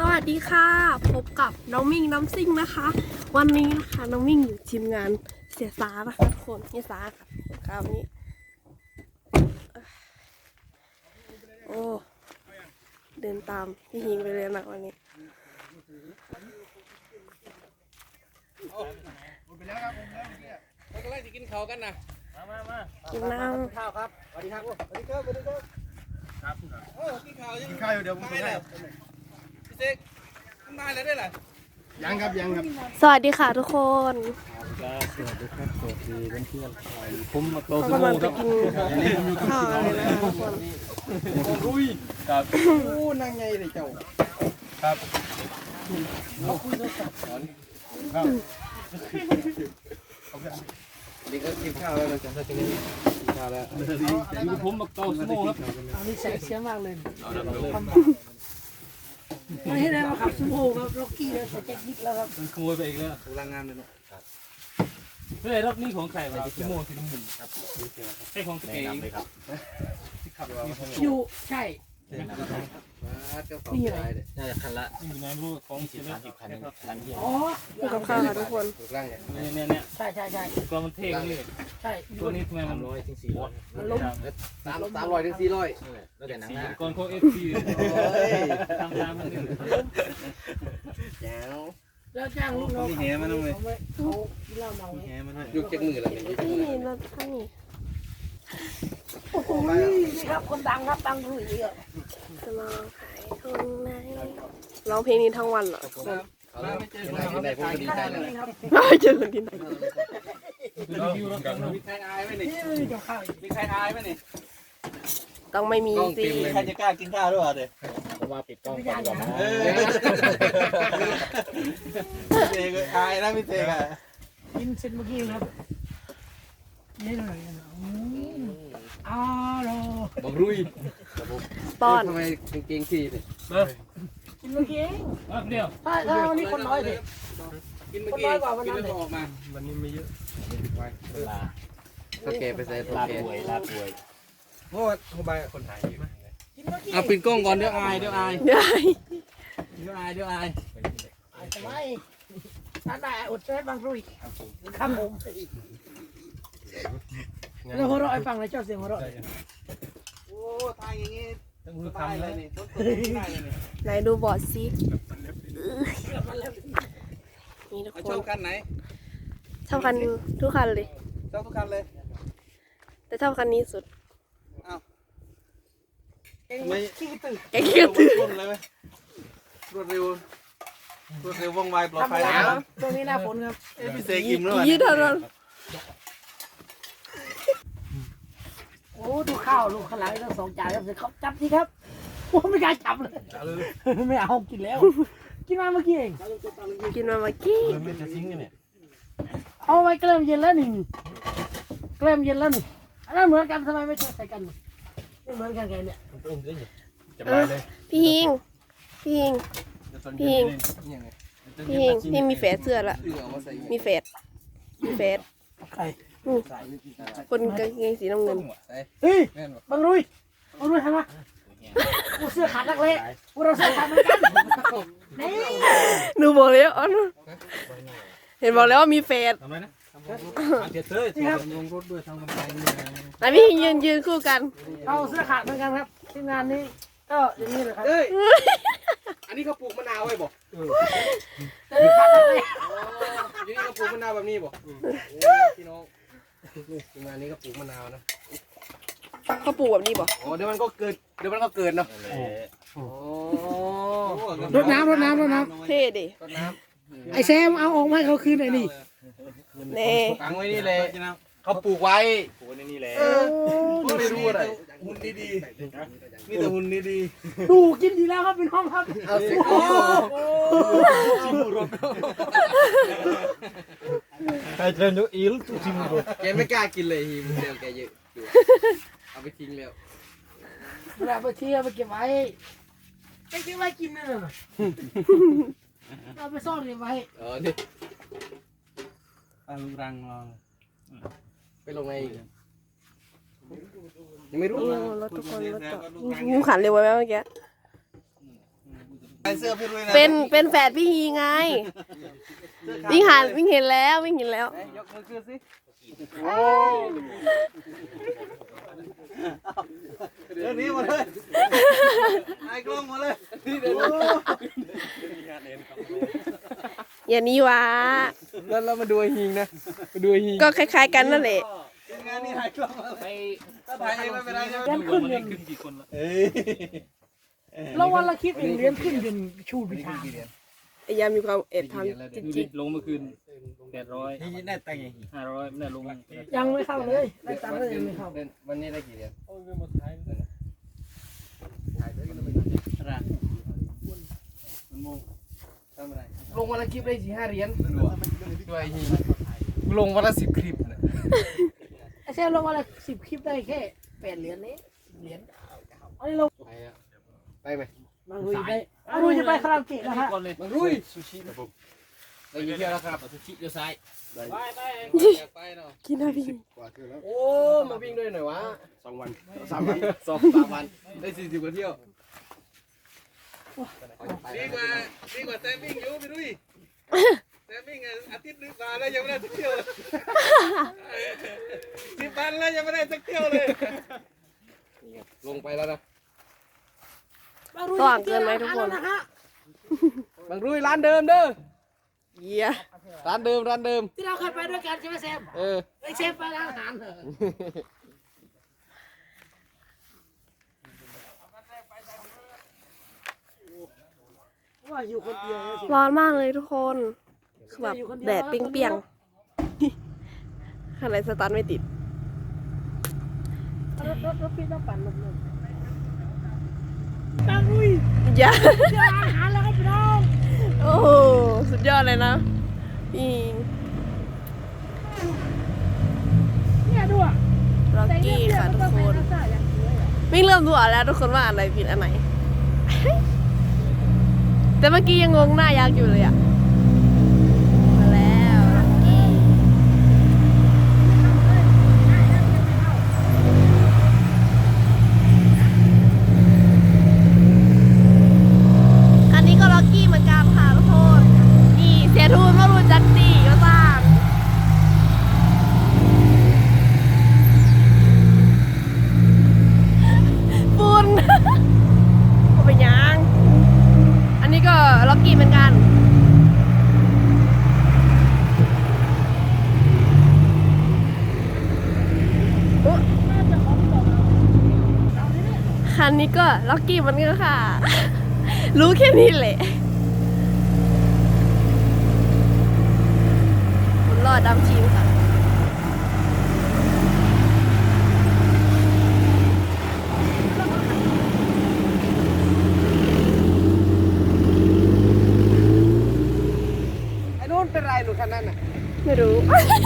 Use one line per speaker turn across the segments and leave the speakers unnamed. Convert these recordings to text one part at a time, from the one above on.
วัสดีค่ะพบกับน้องมิ่งน้ำซิ่งนะคะ วันนี้นะคะน้องมิ่งอยู่ทีมงานเสียสานะคะทุกคนเสียสาค่ะคราวนี้โอ้เดินตามพี่ฮิงไปเลยนะวันนี้
เราก็ไล่จะกินข้าวกันนะมา
กินน้ำ
ข้าวครับสวัสดีครับสวัสดีครับสวัสดีครับครับกินข้าวยังกินข้าวอยู่เดี๋ยวผมไปแล้วพี่เซ็กทำได้แล้วได้หรอยังครับ
สวัสดีค่ะทุกคน
สวัสดีครับสวัสดีเพื่อนๆผมมาโต
กำลังจะกินข้าวเลยนะคะทุกคน
รุยครับโอ้นั่งไงเลยเจ้าครับเขาคุยโทรศัพท์ก่อนครับนี่ก็กินข้าวแล้วนะจ๊ะทีนี้กินข้าวแล้วอยู่ผมมาโตสโม่ครับ
อันนี้ใส่เสียงมากเลยไม่ให้ได้มาขับซูโม่ครับล็อกกี้แล้วใส่แจ็คนิกแล้วครับ
ขโมยไปอีกแล้วกำลังงามเลยเนาะเฮ้ยรอบนี้ของใครวะสโม่สีน้ำเงินครับใช่ของตัวเองครับที่ขับ
อยู่ใช่
นี่อะไรน่าจะคันละอยู่ในรูปของ40-50คัน
อ๋อ
กับข้าวค่ะทุกคน
เนี่ย
ใช่
ตัวมันเท่เลย
ใช่
ตัวนี้ทำไมมัน
มันล้ม
300 ถึง 400แล้วแต่หนังนะก่อนเขาFC ทำตามมันนี่แจ๋ว
แล้วจ้างลูกน้องเขากินเหล้าเมาไง
ยุกเจ็ดมือแล้ว
นี่รถท่านนี่
โอ้โหนี่ครับคนดังครับดังรุ่ยเลย
จะมาขายตรงไหนร้องเพลงนี้ทั้งวันเหรอทุกคน
ไหนผมก็ดีใจแล้ว
ไม่เจอกันที่ไหน
มีใครอายไหมนี่
นี่จะข้าว
มีใครอายไหมนี่
ต้องไม่มีสิ
ใครจะกล้ากินข้าวด้วยเดี๋ยว
ผมว่าปิดกล้องก่อนดีกว่า
พี่เตก็อายนะพี่เตก็
กินเสร็จเมื่อกี้ครับนี่เลยอ้าวโล
บังรุย
ป้อน
ทำไมเก่งที่นี่
กินเมื่อกี้เอง
เดียว
ถ้านี่คนน้อยสิ
กินเมื่อกี้กินแล้วออกมาวันนี้ไม่เยอะโอเคไปใส่โอเค
ลาป่วย
โอ้โหใบคนไทยอยู่
กินเมื่อกี้
เอาปิดกล้องก่อนเดี๋ยวอาย
ได้
ทำไมถ้าได้อดใจบางรุ่ยครับผมแล้วหัวเราะไอ้ฟังเลยเจ้าเสียงหัวเราะ
โอ้ทายอย่างงี้ต้องรู้ทำเลยนี่ต้นได้เลยนี่
ไหนดูบอร์ดซินี่ทุกค
ชอน บคันไหน
ชอบคันทุกคันเลย
ชอบทุกคันเลย
แต่ชอบคันนี้สุด
อ้าว
ไม่ขี้ตื่น
แกเกียวตื่น
รวดเลยไหมรวดเร็วว่องไวปลอดภัย
ตรงนี้หน้าฝนครับ
พี่เสกอิ่มแล้ว
ยี่เท่านั้น
โอ้ดูข้าวลูกข้าวหลามทั้ง2 จานครับเสร็จเขาจับสิครับโอ้ไม่กล้าจับเลยไม่เอากินแล้วกินมาเมื่อกี้เอง
กินมาเมื่อกี้
ไม่จะทิ้งกันเนี่ย
เอาไว้เกลือเย็นแล้วนี่เกลือเย็นแล้วนี่อันนั้นเหมือนกันทำไมไม่ใส่กันไม่เหมือนกันไงเนี่ย
พี่ฮิงพี่มีแฝดเสื้อละมีแฝด
ใคร
คนกางเกงสีน้ำเงิน
เฮ้ยบังรุยทำไมกูเสื้อขาดนักเละกูเราเสื้อขาดเหมือนกันนี่
หนูบอกแล้วอ๋อเห็นบอกแล้วว่ามีแฝด
ทำไมนะเดี๋ยวเต้ยลงรถด้วยทางกำแพงนี่
นะพี่ยืนคู่กัน
เราเสื้อขาดเหมือนกันครับทีมงานนี้ก็อย่างนี้เลยครับ
เอ้ยอันนี้เขาปลูกมะนาวไว้บ่
เสื้อขาดนักเละ
ทีนี้เขาปลูกมะนาวแบบนี้บ่พี่น้องทีมงานนี้ก็ปลูกมะนาวนะ
เขาปลูกแบบนี้บอก
อ๋อเดี๋ยวมันก็เกิดเนาะโอ้
รดน้ำ
เท่ดิ
รดน้
ไอ้แซมเอาออกมาให้เขาคืนไอ้นี่
เน่
ำตั้งไว้นี่เลยเขาปลูกไว้ปลูกในนี่แหละไม่รู้อะไรหุ่นดีๆมีแต่หุ่นดี
ดูกินดีแล้วครับเป็นห้องครับ
ๆเอาสิ
ใครเทรนดูอิลตุซิมโร
แกไม่กล้ากินเลยฮีมเดียวแกเยอะเอาไปทิ้งแล้ว
เวลาไปเที่ยวไปเก็บไว้เก็บไว้กินนั่นน่ะเราไปซ่อนเก็บไว้
นี่ตั้งรังรอไปลงในยังไม่รู้
รถทุกคนรถจอดงูขันเร็วไว้ไหมเมื่อกี้
ไอ้เสื้อพี่รุ้ยนะ
เป็นแฝดพี่ฮีไงวิ่งเห็นแล้ววิ่งเห็นแล้ว
ยกมือขึ้นสิเดี๋ยวนี้มาเลยไอ้กล้องมาเลยเดี๋ยว
อย่างนี้วะ
แล้วเรามาดูไอ้หิงนะมาดูไอ้หิง
ก็คล้ายๆกันนั่นแหละ
งานนี้ถ่ายกล้องมาเลยถ้าถ่ายเองไม่เป็นไรใช่ไหม
เลี้ยงขึ้นเดือน
เอ้ย
แล้ววันละคลิปเองเลี้ยงขึ้นเดือนชูพิธา
ไอ้ยามีความเอ็ดทำจริง
ลงเมื่อคืน800
นี่น่าแต่งไง
500ไม่ได้ลง
ยังไม่เข้าเลยได้ตังค์ก็ยังไม่เข้า
วันนี้ได้กี่เหรียญลงวันละคลิปได้4-5เหรียญด้วยหิงลงวันละ10 คลิปนะ
ไอ้เซลลงวันละ10 คลิปได้แค่8 เหรียญนี้เหรียญอันนี้ลง
ไปไหม
บางรุยไปบางรุยจะไปคาราโอเกะนะฮะ
ก่อนเลย
มันรุ่ยซูชินะผมได้กี่เที่ยวแล้วครับ
ซูชิเดี๋ยวซ้าย
ไปเนาะ
ๆกินนะพี่
โอ้มาวิ่งด้วยหน่อยวะ
2 วัน
3 วัน3 วันได้40 กว่าเที่ยวดีกว่าแซมวิ่งอยู่พี่ดุ้ยแซมวิ่งอาทิตย์นึงมาแล้วยังไม่ได้สักเที่ยวเลย10 วันแล้วยังไม่ได้สักเที่ยวเลยลงไปแล้วนะ
บางรุย
สว่างเกินไหมทุกคน
นะฮะ
บางรุ่ยร้านเดิมเด้อ
เยี่ย
ร้านเดิม
ที่เราเคยไปด้วยกันใช่ไหมแซม
เออ
ไอ้เชฟไปร้านอาหารเหรอว่าอยู่คนเดียวนะสิ
ร้อนมากเลยทุกคนคือแบบแดดเปรี้ยงๆอะไรสตาร์ทไม่ติด
รถพี่ต้องปั่นลมเลยตั้งอุ้ย
อย่า
เจออาหารแล้วครับพี่น้อง
โอ้โหสุดยอดเลยนะพี่
เนี่ยดูอ่ะ
ล็อกกี้ค่ะทุกคนวิ่งเริ่มดูออกแล้วทุกคนว่าอะไรผิดอันไหน แต่เมื่อกี้ยังงงหน้ายักษ์อยู่เลยอะมาแล้วล็อกกี้อันนี้ก็ล็อกกี้เหมือนกันค่ะทุกคนนี่เสียทูนมารู้จักตีก็ต่างฝุ่น ก็ไปยัง อันนี้ก็ล็อกกี้เหมือนกัน คันนี้ก็ล็อกกี้เหมือนกันค่ะ รู้แค่นี้แหละผมรอดำชิมค่ะ
ไอ้นู้นเป็นไรหนูคันนั้นน่ะ
ไม่รู้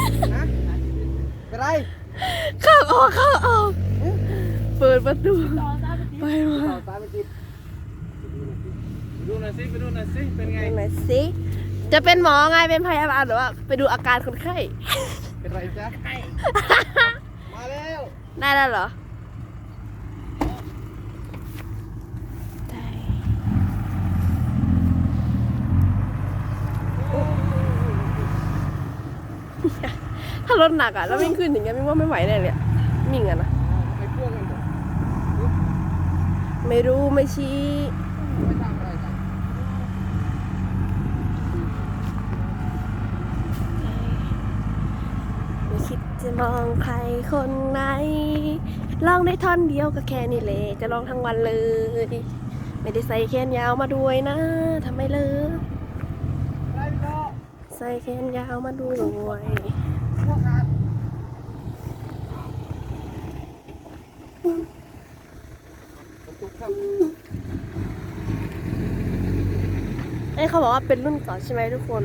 เป็นไร
เข้าออกเปิดประตูไปมา
ตามไปติดดูหน่อยสิไปดูหน่อยสิเป็นไง
ไหนสิจะเป็นหมอไงเป็นพยาบาลหรือว่าไปดูอาการคนไข้
เป็นไรจ๊ะมาแล้ว
ได้แล้วเหรอได้ ถ้ารถหนักอ่ะแล้ววิ่งขึ้นอย่างเงี้ยมิ่งว่าไม่ไหวแน่เลยอะมิ่งอะนะ
ไปพ่วงกันหมด
ไม่รู้ไม่ชี้
ไม่ทำอะไรกัน
ไม่คิดจะมองใครคนไหนลองได้ท่อนเดียวก็แค่นี้เลยจะลองทั้งวันเลย ไม่ได้ใส่แขนยาวมาด้วยนะทำไมเลย
อะไรพี่น้อง
ใส่แขนยาวมาด้วย
พวกกันตุ๊กครับ
เอ้ยเขาบอกว่าเป็นรุ่นเก่าใช่ไหมทุกคน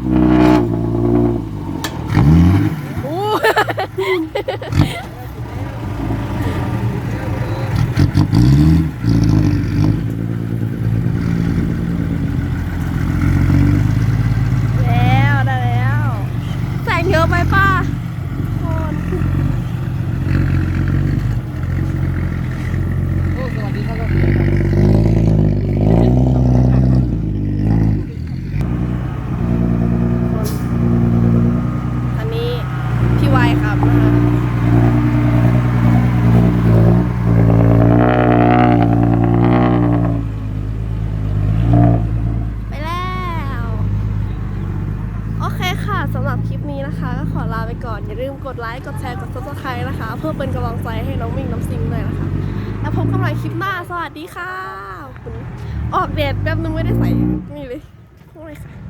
โอ้สำหรับคลิปนี้นะคะก็ขอลาไปก่อนอย่าลืมกดไลค์กดแชร์กด subscribe นะคะ เพื่อเป็นกำลังใจให้น้องมิ่งน้องซิงหน่อยนะคะแล้วพบกันใหม่คลิปหน้าสวัสดีค่ะขอบคุณออกเดทแป๊บนึงไม่ได้ใส่นี่เลยพวกเลยค่ะ